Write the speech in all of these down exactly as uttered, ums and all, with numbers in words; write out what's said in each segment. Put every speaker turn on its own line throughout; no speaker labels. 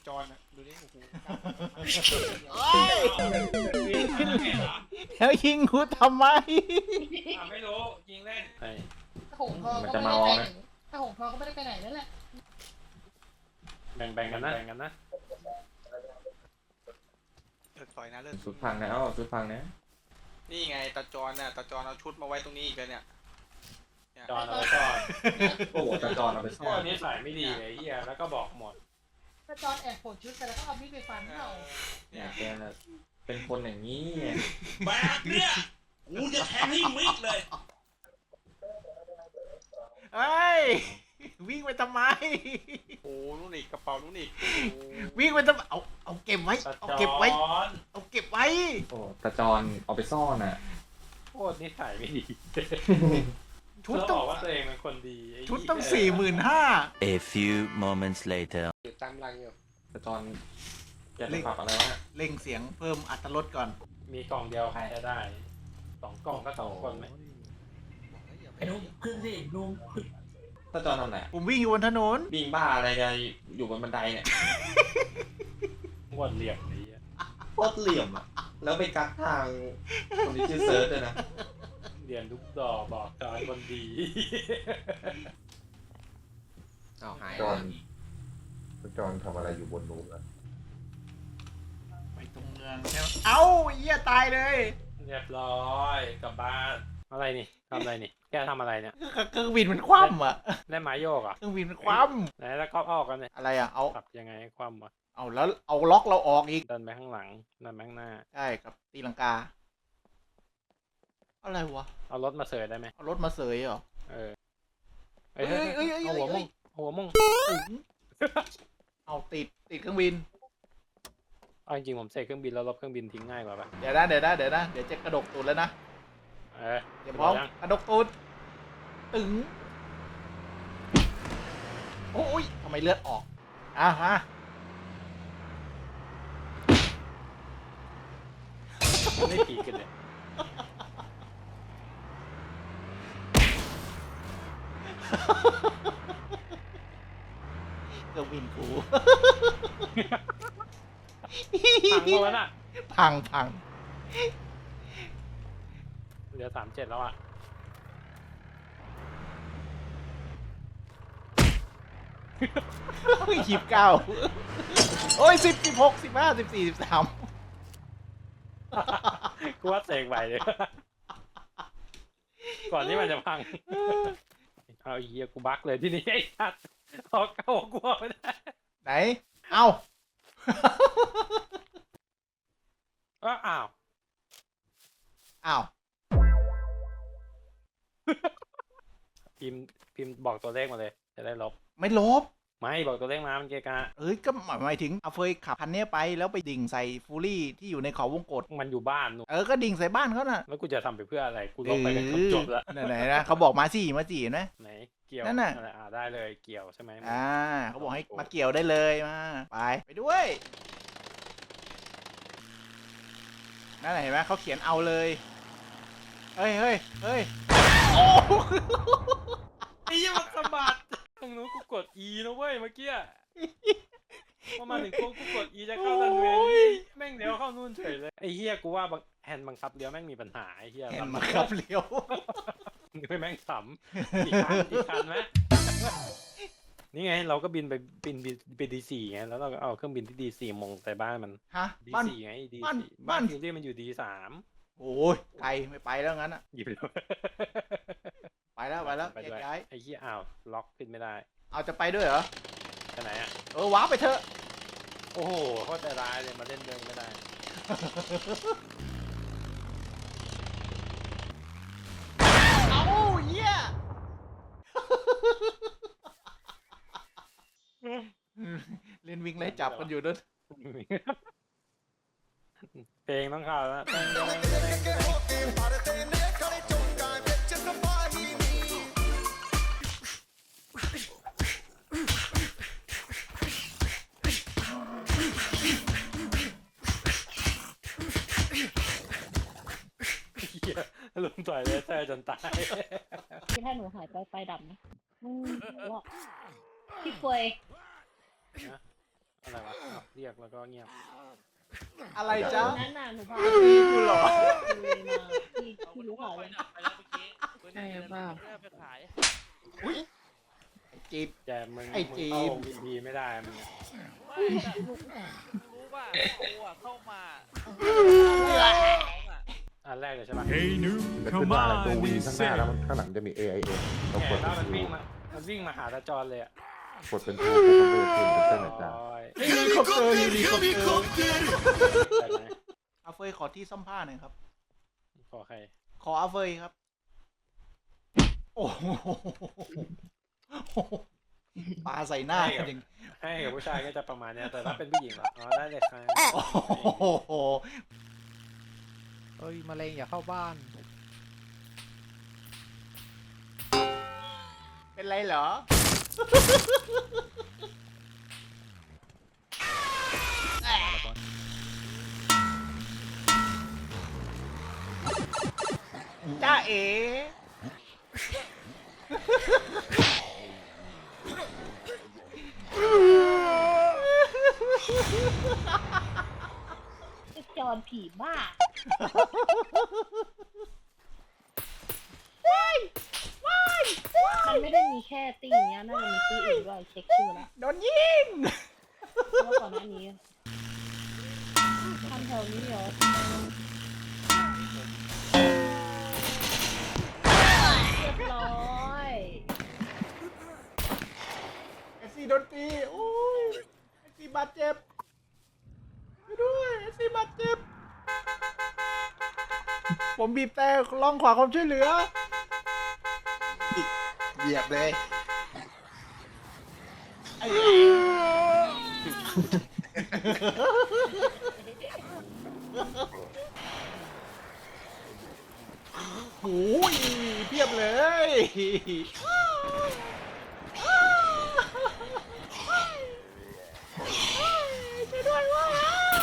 จอนอ่ะดูดิโอ้โห
แล้วยิงกูทำไม
ไม่รู้ยิงเล่น
ถ้าหงทองก็ไม่ได้ไปไหนถ้าหงทองก็ไม่ได้ไปไหนนั่นแหละ
แบ่งแบ่งกันนะแบ่งกันนะ
เลิกต่อยนะเลิก
สุดพังแล้วสุดพังนะ
นี่ไงตาจอนน่ะตาจอนเอาชุดมาไว้ตรงนี้อีกแล้วเนี่ย
จอนเอาไปจอน
โอ้โหตะจอนเอาไปซ่
พ
อ
วน กนี้ใส่ไม่ดีเลยเฮียแล้วก็บอกหมด
ถ้าจอนแอบโผล่ชุดไปแล้วก็เอามีดไปฟันเขา
เนี่ยแกเป็นคนอย่างนี้
แบบเนี้ยกูจะแทงให้มิดเลย
เฮ้ยวิ่งไปทำไม
โอ้นู่นอีกกระเป๋านู่นอีก
วิ่งไปทำไมเอาเอาเก็บไว้
ตา
เอา
จอ
เก็บไว้
น
เอาเก็บไว้
โอ้ตะจอนเอาไปซ่อนอ่ะ
โคตรนิสัยไม่ดี
ชุด
แล้ว
ต้
บ
อง
อกว่าตัวเองเป็นคนดีไ
ชุดต้องสี่หมื่นห้า
A few moments later.
อยู่ตามรังอยู่
ตะจอนแกจะปรับอะไรวะ
เร่งเสียงเพิ่มอัตรสก่อน
มีกล่องเดียวใครจะได้สองกล่องก็สองคนไหม
ไอ้นุ๊กขึ้นสินุ๊ก
ตะจอนทำไหน
ผมวิ่งอยู่บนถนน
วิ่งบ้าอะไรกันอยู่บนบันไดเนี่ย
วดเหลี่ยมนี้ย
โคตรเหลี่ยมอ่ะแล้วไปกักทางคนที่ชื่อเซิร์ชด้วยนะ
เรียนลูกดอกบอกจอนคนดี
เอาหาย
จอนจอนทำอะไรอยู่บนนู้นอะ
ไปตรงเมืองใช่ไหมเอ้าเหี้ยตายเลย
เรียบร้อยกลับบ้านอะไรนี่ทำอะไรนี่แกทำอะไรเนี่ย
เครื่องบินมันคว่ำอ่ะ
เล่นไม้โยกอ่ะ
เครื่องบินมันคว่
ไหนแล้วก็ออกกันเนี่ย
ำอะไรอ่ะ เอา
ขับยังไงให้ความวะ
เอาแล้วเอาล็อกเราออกอีก
เดินไปข้างหลังเดินไปข้างหน้า
ใช่กับตีลังกา อะไรวะ
เอารถมาเสยได้ไหม
เอารถมาเสยเหรอ
เออ
เอ้ยเอ้ยเอ้ยเอ้ย
เอาหัว
เอ้
มุ่
ย
งหัวมุ่ง
ถึงเอาติดติดเครื่องบิน
เอาจริงๆผมเสกเครื่องบินแล้วลบเครื่องบินทิ้งง่ายกว่าปะ
เดี๋ยวนะเดี๋ยวนะเดี๋ยวนะเดี๋ยวจะกระดกตูดแล้วนะ
เออ
เดี๋ยวพร้อม
ยัง
กระดกตูดตึงโอ้ยทำไมเลือดออกอ่ะฮะ
ไม่ผีกันเลย
เครื่องบินกู
พังหมดอ่ะ
พังพัง
เหลือสามเจ็ดแล้วอ่ะ
ยี่สิบเก้าโอ้ยสิบสิบหกสิบห้าสิบสี่สิบสาม
กูว่าเสกไหวเลย ก่อนที่มันจะพัง เอาไอ้เหี้ยกูบักเลยที่นี่ไอ้สัตว์ออกเข้ากูออกไม่ได้
ไหน เอ้า
อ้าวอ้าว
อ้าว
พิมพ์พิมพ์บอกตัวเลขมาเลย จะได้ลบ
ไม่ลบ
ไม่บอกตัวเลขมามันเกะกะ
เอ้ย ก็หมายถึงเอาเฟยขับคันเนี้ยไปแล้วไปดิ่งใส่ฟูรี่ที่อยู่ในเขาวงกต
มันอยู่บ้านนู่น
เออ ก็ดิ่งใส่บ้านเขาน่ะ
แล้วกูจะทำไปเพื่ออะไร กูลบไปกันจบๆแล้ว
เออไหนๆนะเขาบอกมาสี่มาสี่เห็นไหม
ไหนเกี่ยว
นั่นน่ะ
อะไรอ่าได้เลยเกี่ยวใช่ไหม
อ่าเขาบอกให้มาเกี่ยวได้เลยมาไปไปด้วยนั่นแหละเห็นไหมเขาเขียนเอาเลยเฮ้ยเฮ้ยเฮ้ยโอ้
ไอ้ยี่มันสะบัดตรงนู้นกูกด E นะเว้ยเมื่อกี้พอมาถึงโค้งกูกด E จะเข้ารันเวย์แม่งเลี้ยวเข้านู่นเฉยเลยไอ้เฮียกูว่าบังแฮนด์บังคับเลี้ยวแม่งมีปัญหาไอ้เฮีย
เห็นมาครับเลี้ยว
ไม่แม่งสำอีกคันอีกคันไหมนี่ไงเราก็บินไปบินบินไปดีสี่ไงแล้วเราก็เอาเครื่องบินที่ดีสี่มงใส่บ้านมัน
ฮะ
ดี
บ้าน
สี่ไงดี
บ้าน
สี่
บ้า
บ้าน นฟิวเรียมันอยู่ดีสาม
โอ้ยไกลไม่ไปแล้วงั้นอ่ะ
หยิบเลย
ไปแล้วไปแล้ว
ไป
แย
ด้วย
กย้าย
ไอ้เหี้ยอ้าวล็อกขึ้นไม่ได้
เอาจะไปด้วยเหรอ
ไปไหนอ่ะ
เออว้าไปเถอะ
โอ้โหโคตรใจร้ายเลยมาเล่นเดินไม่ได้
เอาเยี่ยเล่นวิ่งไล่จับกันอยู่ด้วย
เพลงต้องเข้าแล้วลุมต่อยเลเซอร์จนตาย
ที่ถ้าหนูหายไปไฟดับนะอืมหนูบอกพี่เฟย
อะอะไรวะอ้าวเรียกแล้วก็เงียบ
อะไรจ๊ะ
นั่นน่ะหนูพา
ตีกูเหรอ
เลยมาพี่พี่รู้ข่าวเลย
ไปแล้วเมื่อกี้
ใช่เปล่า
ไปขาย
ไอ้จีบ
แต่มึง
ไอ้
มึง
จี
เข้าวินดีไม่ได้มึงอะ
ไม่แต่รู้ป่ะกูอ่ะเข้ามา
อันแรกเลยใช่ปะ
จะขึ้นมาอะไรตัววีข้างหน้าแล้วมันข้างหลังจะมี เอ ไอ เอ เรา
แก
กด
แล้วมัน
เป็น
วิ่ง
ทู
มามันวิ่งมาหาตาจรเลยอ่ะ
กดเป็นทูปุ๊บมันก็จะขึ้นเป็นเส้นอาจารย์
โอ้ย
เฮลิคอปเตอร์เฮลิคอปเตอร์
ไปไหน
อาเฟยขอที่ซ่อมผ้าหน่อยครับ
ขอใคร
ขออาเฟยครับ โอ้โหปาใส่หน้าจริง
ให้กับผู้ชายก็จะประมาณเนี้ยแต่ถ้าเป็นผู้หญิงอะอ๋อได้เลยครับ
โอ้โห
เอ้ยมะเร็งอย่าเข้าบ้าน
เป็นไรเหรอ จ้าเอ๋
ไอ้จอนผีบ้ามันไม่ได้มีแค่ตีเนี้ยน่าจะมีตีอื่นด้วยเช็คชื่อแล้ว
โดนยิง
เพราะว่าก่อนหน้านี้ทำแถวนี้เหรอเรียบร้อย
เอสซีโดนตี โอ้ยเอสซีบาดเจ็บช่วยด้วยเอสซีบาดเจ็บ ผมบีบแต่ร้องขอความช่วยเหลือ
เหยียบเลย
ไอ้โอ้ยเพียบเลยช่วยด้วยว่า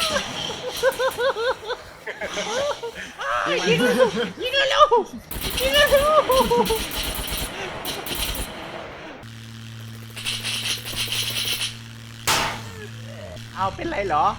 ยิงยิงเร็วยิงเร็วเอาเป็นไรเหรอ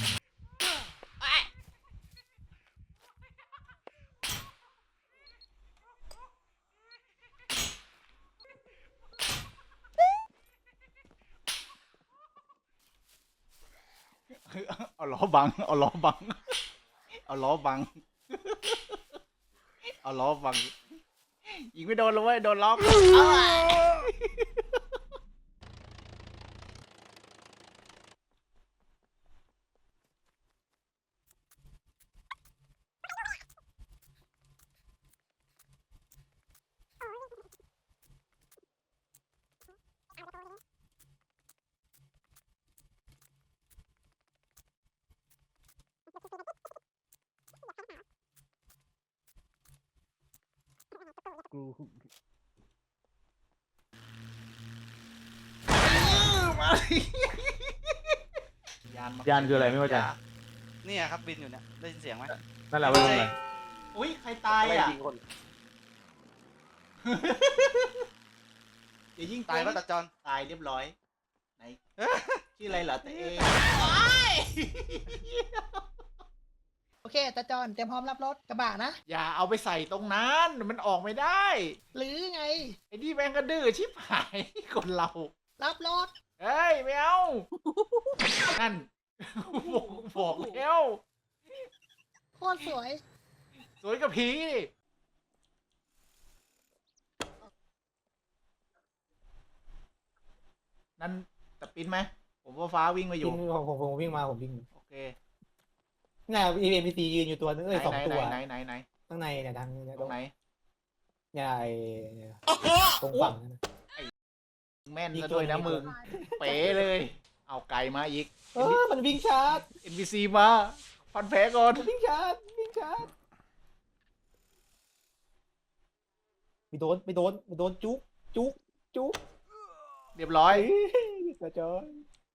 เอาล้อบัง เอาล้อบัง เอาล้อบัง เอาล้อบัง ยิงไม่โดนเลยเว้ย โดนล้อเอาอะ
กู
มาดิยานม
ยานคืออะไรไม่เข้าใจ
เนี่ยครับบินอยู่เนี่ยได้ยินเสียงไหม
นั่นแหละว่าเป็นอะไร
อุ้ยใครตายอ่ะ
ยิงคน
อย่ายิง
ตาย
กู
ป่ะตาจอน
ตายเรียบร้อย ไหน ชื่ออะไรเหรอเต้
โอเคตาจอนเตรียมพร้อมรับรถกระบะนะ
อย่าเอาไปใส่ตรงนั้น มันออกไม่ได้
หรือไง
ไอ้นี่แม่งก็ดื้อชิบหาย คนเรา
รับรถ
เฮ้ยไม่เอา นั่น บอกบอกแล้ว
โคตรสวย
สวยกับผีนั่นแต่ปิ้นไหม ผมว่าฟ้าวิ่งมาอยู่
ผมผมผมวิ่งมาผมวิ่ง
โอเค
น่ะเอ็มพีซียืนอยู่ตัวนึง
ไหน
เอ้ยสอง
ไหน
ตัว
ไหนไหนไหน
ข้างในเนี่ยทางเนี่ย
ตรงไหน
เนี่ยไอ้ตรงฝั่งนั่นน่ะ
แม่นซะด้วยนะมึง เป๋เลย เอาไก่มาอีก
เออมันวิ่งชาร์จ
เอ็น พี ซี มา พันแผลก่อน
มันวิ่งชาร์จวิ่งชาร์จไม่โดนไม่โดนไม่โดนจุ๊กจุ๊กจุ๊ก
เรียบร้อย
ตาจอน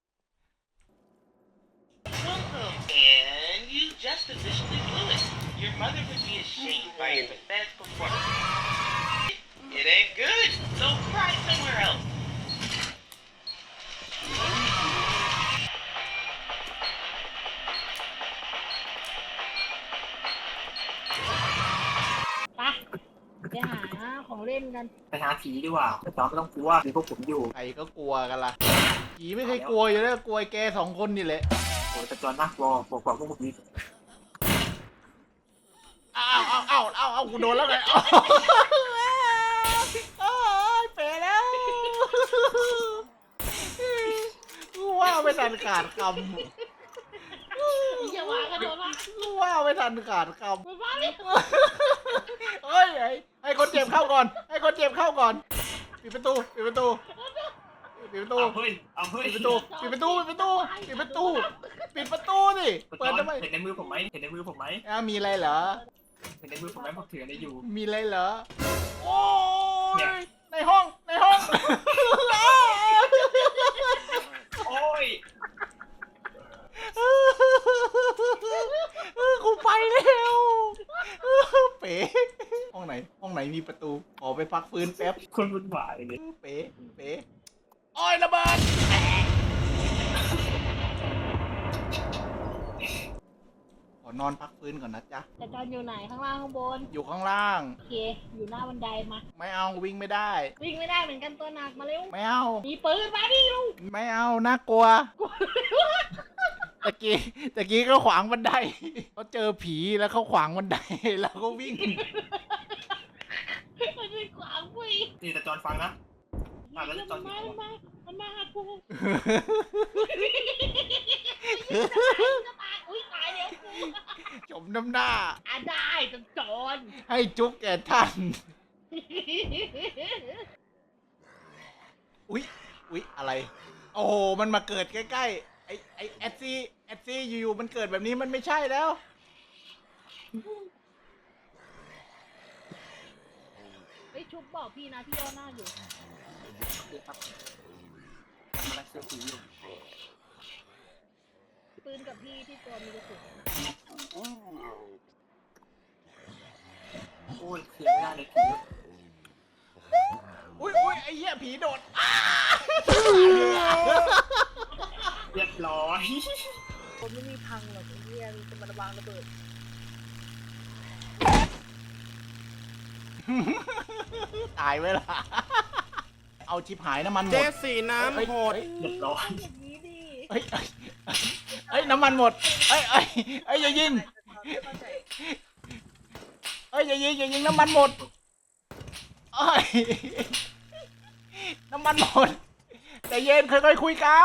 Welcome, and you just officially blew it. Your mother would be ashamed by your pathetic performance. It ain't good, so cry somewhere else.
กัน
ไปหาผีดีกว่าแต่ตอนไม่ต้องกลัวมีพวกผมอยู่
ใครก็กลัวกันล่ะผีไม่เคยกลัวอยู่แล้วกลัวไอ้แกสองคนนี่แหละ
โอ้ยแต่จอนน่ากลัวบอกกว่าพวกผมนี้
อ้าวอ้าวอ้าวอ้าวอ้าวกูโดนแล้วไงอ้าวอ้าวเป๋แล้วกูว่าไม่ทันขาดคำ
อย่าว่ากันโดนละ
กูว่าไม่ทันขาดค
มันว่าเลย
ำเฮ้ยไอ้ให้คนเจ็บเข้าก่อน ให้คนเจ็บเข้าก่อนปิดประตูปิดประตูปิดประตู
เอาเฮ้ยเอาเฮ้ย
ปิดประตูปิดประตูปิดประตูปิดประตูปิดประตูสิเปิดทำไม
เห็นในมือผมไหมเห็นในมือผมไหม
อ้าวมีอะไรเหรอ
เห็นในมือผมไหมผมถืออะไรอยู่
มีอะไรเหรอ โอ้ยในห้อง ในห้อง
โอ้ย
กูไปแล้วเป๋ห้องไหน ห้องไหนมีประตู ขอไปพักฟื้นแป๊บ
คนวุ่นวายเลย
เป๋เป๋โอ้ยระเบิดขอนอนพักฟื้นก่อนนะจ๊ะ
แต่จอนอยู่ไหนข้างล่างข้างบน
อยู่ข้างล่าง
โอเค อยู่หน้าบันไดมา
ไม่เอาวิ่งไม่ได้
วิ่งไม่ได้เหมือนกันตัวหนักมาเร็ว
ไม่เอา
มีปืนมาดิลูก
ไม่เอาน่ากลัว ตะกี้ตะกี้ก็ขวางบันไดเขาเจอผีแล้วเขาขวางบันไดแล้วก็วิ่ง
มันเป็นขวางกู
นี่แต่จอนฟังนะอ่ะแล้ว
มัน
จอน
มามันมามันมาหากูจะตายอุ้ยตายแล้วกู
จมน้ำหน้า
อ่ะได้จนจอน
ให้จุกแก่ท่าน อุ๊ย อุ๊ย อะไร โอ้โห มันมาเกิดใกล้ๆ ไอไอแอดซี่แอดซี่อยู่ๆมันเกิดแบบนี้มันไม่ใช่แล้ว
ไอ้ยชุบบอกพี่นะพี่ย่อหน้าอยู่
ครับทำอะไรเสื้อผีอยู่
ปืนกับพี่ที่ตัวมีกระสุน
โอ้ยเคลียร์ไม่ได้เลยผี
อุ๊ยอุ๊ยไอ้เหี้ยผีโดดอ้า
เรียบร้อย
ผมไม่มีพังหรอกไอ้เหี้ยมันจะมาระวางระเบิด
ตายไว้ล่ะ เอาชิบหายน้ำมันหมด
เจสีน้ำโหด
เรียบร้อย
อย่างนี้ดิ
เอ้ยเอ้ยเอ้ยน้ำมันหมดเอ้ยเอ้ยเอ้ยอย่ายิงเอ้ยอย่ายิงอย่ายิงน้ำมันหมดเอ้ยน้ำมันหมดใจเย็นค่อยๆคุยกัน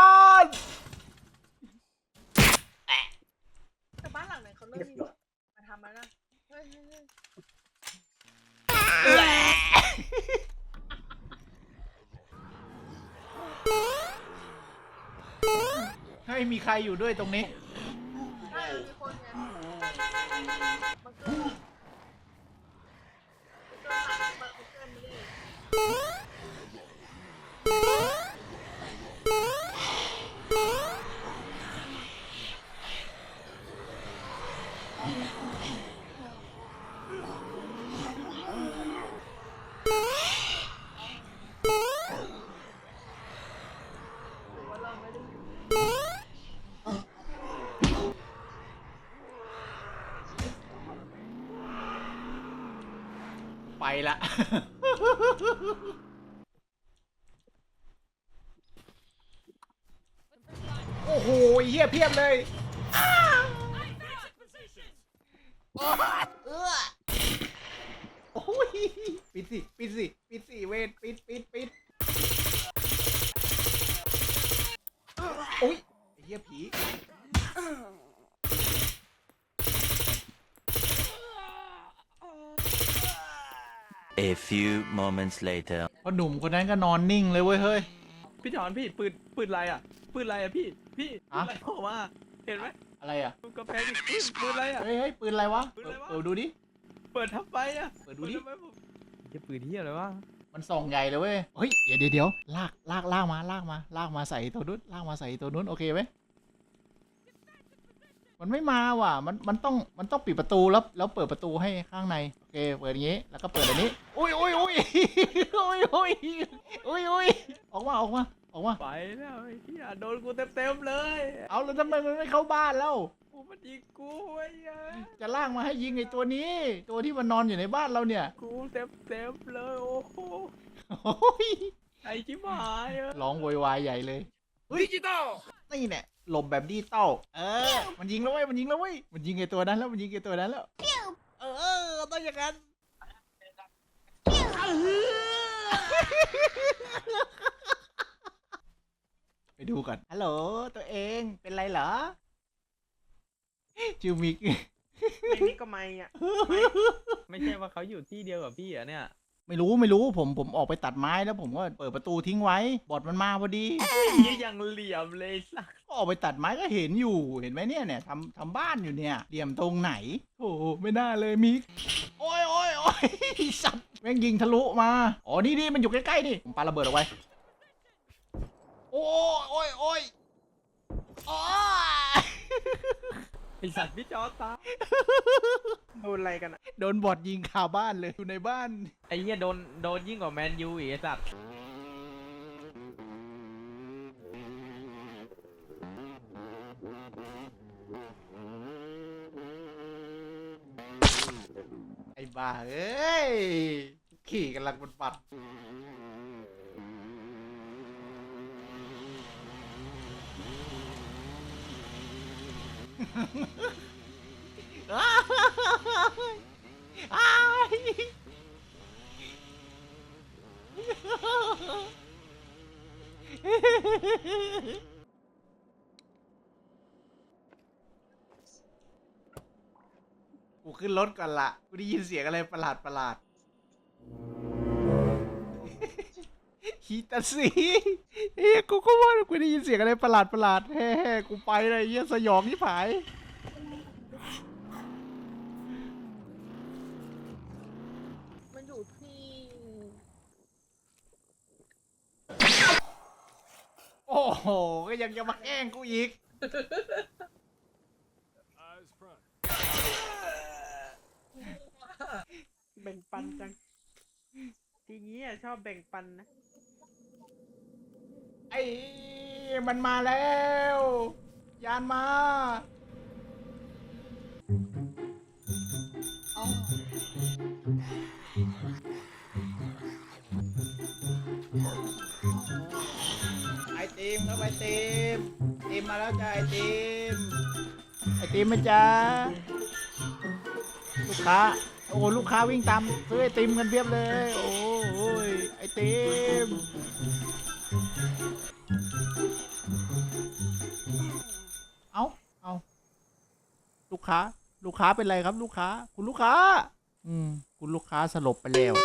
แต่บ้านหลังไหนเขาเริ่มมีมาทำแล้วนะเฮ้ยเฮ้ยเฮ้ย
เฮ้ยมีใครอยู่ด้วยตรงนี้
ใช่มีคนไงมันเกิดมันเกิดมันเกิดไม่ได้
ไปละ โอ้โหเฮียเพียบเลยอ้าวเออโอ้ยปิดสิ ปิดสิ ปิดสิ เวทปิดปิดปิดโอ้ยไอ้เฮียผี
A few moments later.
พอหนุ่มคนนั้นก็นอนนิ่งเลยเว้ยเฮ้ย
พี่จอนพี่ปืนปืนอะไรอ่ะปืนอะไรอ่ะพี่พี่ปืน
อะ
อะไรออกมาเห็นไหม
อะไรอ่ะ
ดูกระแพงดิปืนปืนอะไรอ่ะ
เฮ้ยเฮ้ยปืนอะไรวะ
ปืนอะไรวะ
เปิดดูดิ
เปิดทับไปอ่ะ
เปิดดูดิ
ทำไมผมจะปืนที่อะไรวะ
มันส่องใหญ่เลยเว้ย เฮ้ย เดี๋ยวเดี๋ยวเดี๋ยวลาก ลาก ลากมา ลากมา ลากมาใส่ตัวนู้น ลากมาใส่ตัวนู้น โอเคไหม มันไม่มาว่ะ มัน มันต้อง มันต้องปิดประตูแล้ว แล้วเปิดประตูให้ข้างใน โอเค เปิดอย่างนี้ แล้วก็เปิดอันนี้ อุ้ยอุ้ยอุ้ยอุ้ยอุ้ยอุ้ยอุ้ยออกมา ออกมาออกมา
ไปแล้วไอ้เหี้ยโดนกูเต็มๆเลย
เอาแล้วทำไมมันไม่เข้าบ้านแล้ว
กูมันยิงกูไอ้เหี้ย
จะลากมาให้ยิงไอ้ตัวนี้ ตัวที่มันนอนอยู่ในบ้านเราเนี่ย
กูเต็มๆเลยโอ้โห
โอ้ย
ไอ้ชิบหายอะ
ร้องโวยวายใหญ่เลยดิจิตอลนี่เนี่ยหลบแบบดิจิตอลเออ มันยิงแล้วเว้ยมันยิงแล้วเว้ยมันยิงไอ้ตัวนั้นแล้วมันยิงไอ้ตัวนั้นแล้วเออต้องอย่างนั้นไปดูก่อนฮัลโหลตัวเองเป็นไรเหรอจิวมิก
ไอ้นี่ก็ไม่อะไม่ใช่ว่าเขาอยู่ที่เดียวกับพี่เหรอเนี่ย
ไม่รู้ไม่รู้ผมผมออกไปตัดไม้แล้วผมก็เปิดประตูทิ้งไว้บอดมันมาพอดี
ยี่ยังเหลี่ยมเลยสัก
ก็ออกไปตัดไม้ก็เห็นอยู่เห็นไหมเนี่ยเนี่ยทำทำบ้านอยู่เนี่ยเหลี่ยมตรงไหนโอ้โหไม่น่าเลยมิกโอ้ยโอ้ยโอ้ยสัตว์แม่งยิงทะลุมาอ๋อนี่นี่มันอยู่ใกล้ๆนี่ผมปาระเบิดเอาไว้โอ้ยโอ้ยโอ้ยอ๋อ
ไอสัตว์พี่จอตาโดนอะไรกันอะ
โดนบอดยิงคาบ้านเลยอยู่ในบ้าน
ไอ้เหี้ยโดนโดนยิ่งกว่าแมนยูอีกไอสัตว์
ไอ้บ้าเอ้ยขี่กำลังบนปัดอ้ายอ้ายกูขึ้นรถก่อนละกูได้ยินเสียงอะไรประหลาดประหลาดฮิตาสีเฮ้ยกูก็ว่ากูได้ยินเสียงอะไรประหลาดประหลาดแฮ่ๆกูไปเลยเหี้ยสยองที่ผาย
มันอยู่ที่
โอ้โหก็ยังจะมาแกล้งกูอีก
แบ่งปันจังทีนี้อะชอบแบ่งปันนะ
ไอ้มันมาแล้ว ยานมา
อ๋อ
ไอติมครับไอติมไอติมมาแล้วจ้าไอติมไอติมมาจ้าลูกค้าโอ้ลูกค้าวิ่งตามซื้อไอติมกันเพียบเลยโอ้ยไอติมเอาเอาลูกค้าลูกค้าเป็นไรครับลูกค้าคุณลูกค้าอืมคุณลูกค้าสลบไปแล้ว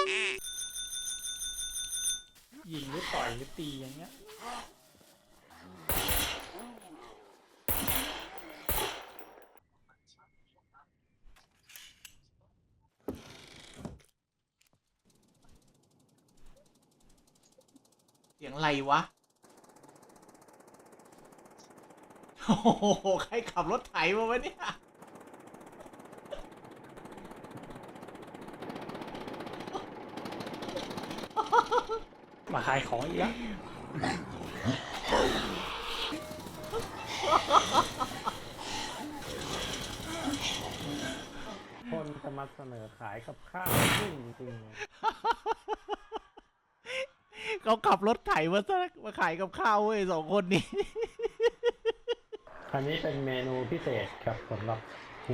ยิงหรือต่อยหรือตีอย่างเงี้ยเสียงอะไรวะโอ้โหใครขับรถไถมาวะเนี่ยมาขายของอีกแล้ว
คนจะมาเสนอขายกับข้าวจริงจริง
เขาขับรถไถมาซะมาขายกับข้าวเว้ยสองคนนี้
อันนี้เป็นเมนูพิเศษครับสำหรับคุณ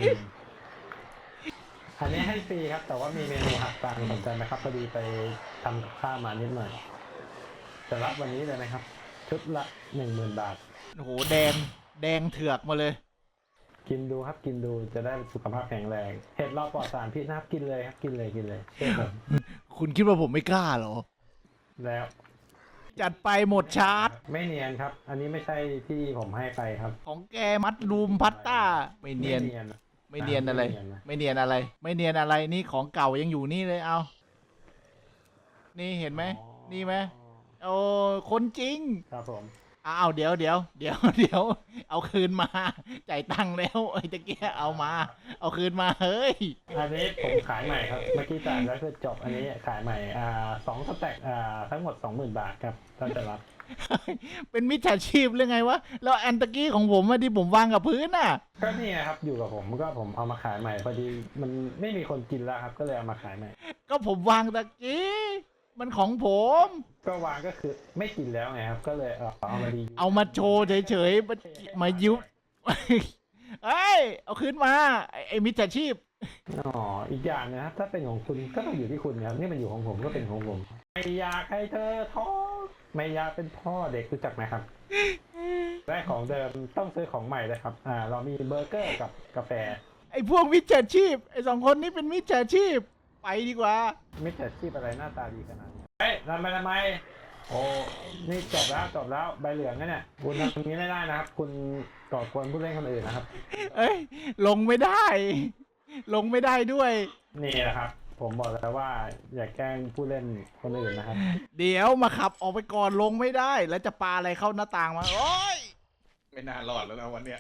อันนี้ให้ฟรีครับ แต่ว่ามีเมนูหักตังค์สนใจไหมครับพอดีไปทำกับข้าวมานิดหน่อยจะรับวันนี้เลยนะครับ ชุดละหนึ่งหมื่นบาท
โอ้โหแดงแดงเถือกมาเลย
กินดูครับกินดูจะได้สุขภาพแข็งแรงเห็ดเราปลอดสารพิษนะครับกินเลยครับกินเลยกินเลยเชื่อผม
คุณคิดว่าผมไม่กล้าเหรอ
แล้ว
จัดไปหมดชาร์จ
ไม่เนียนครับ อันนี้ไม่ใช่ที่ผมให้ไปครับ
ของแกมัดรูมพัตต้าไม่เนียน
ไม่เนียน
ไม่เนียนอะไร
ไม่เนียนนะ
ไม่เนียนอะไร ไม่เนียนอะไรนี่ของเก่ายังอยู่นี่เลยเอานี่เห็นไหมนี่ไหมโอ้คนจริง
ครับผม
อ้าวเดี๋ยวเดี๋ยวเดี๋ยวเดี๋ยวเอาคืนมาจ่ายตังค์แล้วไอ้ตะเกียเอามา เอาคืนมาเฮ้ย
อันนี้ผมขายใหม่ครับเมื่อกี้จ่ายแล้วคือจบอันนี้ขายใหม่อ่าสองสแต็กอ่าทั้งหมดสองหมื่นบาทครับถ้าจะรับ
เป็นมิจฉาชีพหรือไงวะแล้วอันตะกี้ของผมอะที่ผมวางกับพื้นน่ะ
ก็นี่นะครับอยู่กับผมก็ผมเอามาขายใหม่พอดีมันไม่มีคนกินแล้วครับ ก็เลยเอามาขายใหม่
ก็ผมวางตะกี้มันของผม
ก็วางก็คือไม่กินแล้วไงครับ ก็เลยเอาเอามาดี
เอามาโชว์เฉยๆมามายุบ เอ้ยเอาคืนมาไอ้ไอ้มิจฉาชีพ
อ๋ออีกอย่างนะครับถ้าเป็นของคุณก็ต้องอยู่ที่คุณครับนี่มันอยู่ของผมก็เป็นของผมไม่อยากให้เธอท้องไม่อยากเป็นพ่อเด็กรู้จักไหมครับได้ของเดิมต้องซื้อของใหม่เลยครับอ่าเรามีเบอร์เกอร์กับกาแฟ
ไอ้พวกมิจฉาชีพไอ้สองคนนี้เป็นมิจฉาชีพไปดีกว่า
มิจฉาชีพอะไรหน้าตาดีขนาดนี้เฮ้ยทำไมทำไมโอ้นี่จบแล้วจบแล้วใบเหลืองนะเนี่ยคุณทำอย่างนี้ไม่ได้นะครับ คุณก่อกวนผู้เล่นคนอื่นนะครับ
เอ้ยลงไม่ได้ ลงไม่ได้ด้วย
นี่แหละครับ ผมบอกแล้วว่าอย่าแกล้งผู้เล่นคนอื่นนะครับ
เดี๋ยวมาขับออกไปก่อนลงไม่ได้ แล้วจะปาอะไรเข้าหน้าต่างมาโอ้ย
ไม่น่ารอดแล้วนะวันเนี้ย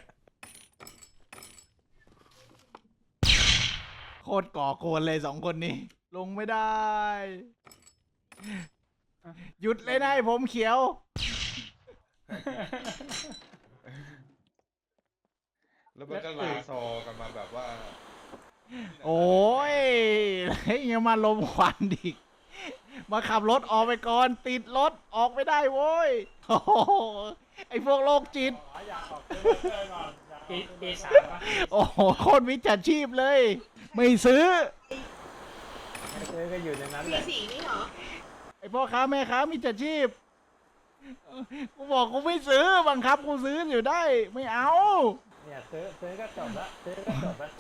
โคตรก่อโกนเลยสองคนนี้ ลงไม่ได้ หยุดเลยนายผมเขียว
แล้วมันก็ลาซอกันมาแบบว่า
โอ้ยเฮ้ยยังมาลมควันอีกมาขับรถออกไปก่อนติดรถออกไม่ได้โว้ยโอ้โหไอพวกโรคจิต
เอเอสามปะ
โอ้โหโคตรมิจฉาชีพเลย ไม่ซื้อ
ไม่ซื้อก็อยู่ในนั้นแห
มี
ละ
สีนี่เหรอ
ไอพ่อค้าแม่ค้ามิจฉาชีพเออกูบอกกูไม่ซื้อบังคับกูซื้ออยู่ได้ ไม่เอา
เนี่ยซื้อซื้อก็จบละซื้อก็จบละ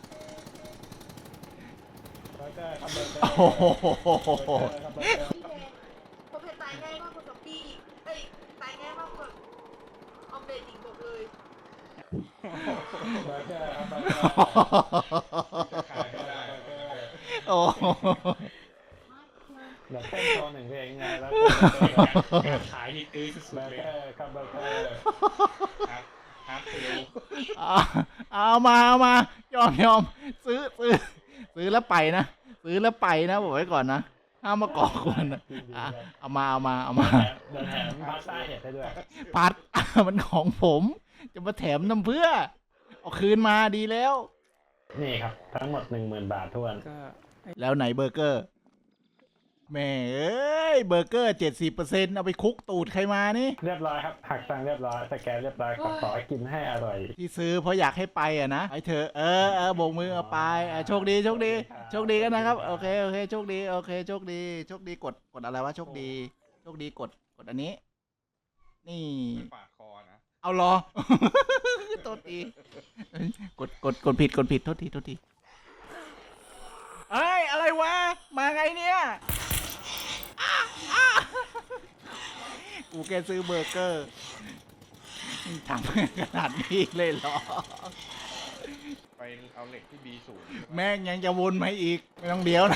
แล้วก็ทำเบอร์เกอร์
โอ้โห
ทำเบอร์เกอร์
พี่แดงผมเห็นตายง่ายมากกว่าซอมบี้อีกเอ้ยตายง่ายมากกว่าออมเล็ตอีกบอกเลย
เบอร์เกอร์ครับเบอร์เกอร์ขายก็ได้เบอร์เกอร์
โอ้โห
เดี๋ยวเต้นโชว์หนึ่งเพลงไงแล้ว
การขายนี่ตื้อสุ
เบ
ด
อ
ๆ
ร์
เลย
เกอร์ครับเบอร์เกอร์
ครับครับเซล
เอาเอามาเอามายอมยอมซื้อซื้อซื้อแล้วไปนะซื้อแล้วไปนะบอกไว้ก่อนนะห้ามมาก่อกวนนะอ่ะเอามาเอามาเอามา
เดินแถมพาสต้าเห็ดได้ด้วย
พัด มันของผม จะมาแถมน้ำเพื่อ เอาคืนมาดีแล้ว
นี่ครับ ทั้งหมดหนึ่งหมื่นบาททวน
ก็
แล้วไหนเบอร์เกอร์แหม่เอ้ยเบอร์เกอร์เจ็ดสิบเปอร์เซ็นต์เอาไปคลุกตูดใครมานี่
เรียบร้อยครับ หักตังค์เรียบร้อยสแกนเรียบร้อยครับขอให้กินให้อร่อย
ที่ซื้อเพราะอยากให้ไปอ่ะนะไปเถอะเออเออโบกมือเอาไปอ่ะโชคดีโชคดีโชคดีกันนะครับโอเคโอเคโชคดีโอเคโชคดีโชคดีกดกดอะไรวะโชคดีโชคดีกดกดอันนี้ นี่
ไม่ปาดคอนะ
เอาเหรอ โทษทีกดกดกดผิดกดผิดโทษทีโทษทีเอ้ยอะไรวะมาไงเนี่ยอ้าอ้ากูแค่ซื้อเบอร์เกอร์ทำขนาดนี้เลยเหรอ
ไปเอาเหล็กที่ บี ศูนย์
แม่งยังจะวนมาอีก ไม่ต้องเดี๋ยวนะ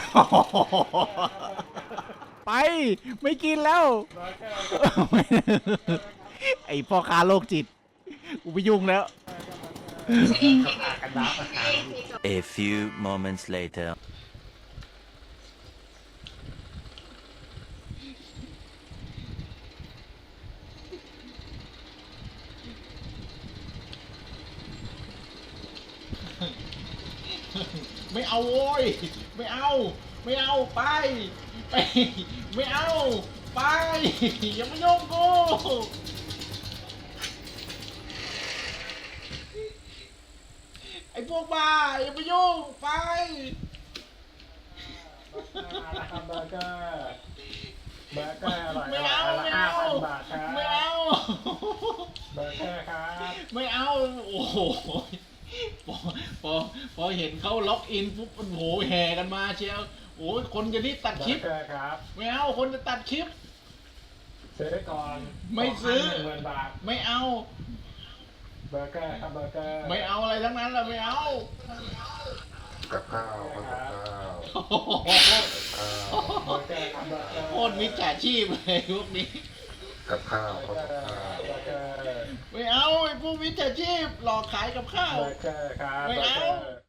ไปไม่กินแล้ว ไอพ่อค้าโรคจิต กูไปยุ่งแล้ว
A few moments later.
ไม่เอาโว้ยไม่เอา ไม่เอาไปไป ไม่เอาไปอย่ามายุ่งกูไอ้พวกบ้าอย่ามายุ่งไป
เบอร์เกอร์เบอร์เกอร์อร่อย
ไม่เอา
ละ
ไม่
ห้า
เอา
พันบาทครับ
ไม่เอา
เบอร์เกอร์ครับ
ไม่เอาโอ้โหพอพอพอเห็นเขาล็อกอินปุ๊บโอ้โหแห่กันมาเชียวโอ้ยคนจะรีบตัด
เบ
ค
อ
ลิป
ร์เกอร์ครับ
ไม่เอาคนจะตัดคลิป
ซื้อก่อน
ไม่ซื้อ
หนึ่งหมื่นบาท
ไม่เอา
เบอร์เกอร์ครับเบอร์เกอร์
ไม่เอาอะไรทั้งนั้นแหละไม่เอา
กับข้าวกับข้าว
โอ้โห
เบอร์เกอร์ครับเบอร์เกอร์
โคตรมิจฉาชีพเลยพวกนี้
กับข้าว
เบอ
กับ
ร์เกอร์
ข้าว
เบอร์เกอร์
ไม่เอาไอ้พวกมิจฉาชีพหลอกขายกับข้าว
เบอร์เกอร์ครับ
ไม่เอา
บร์กร์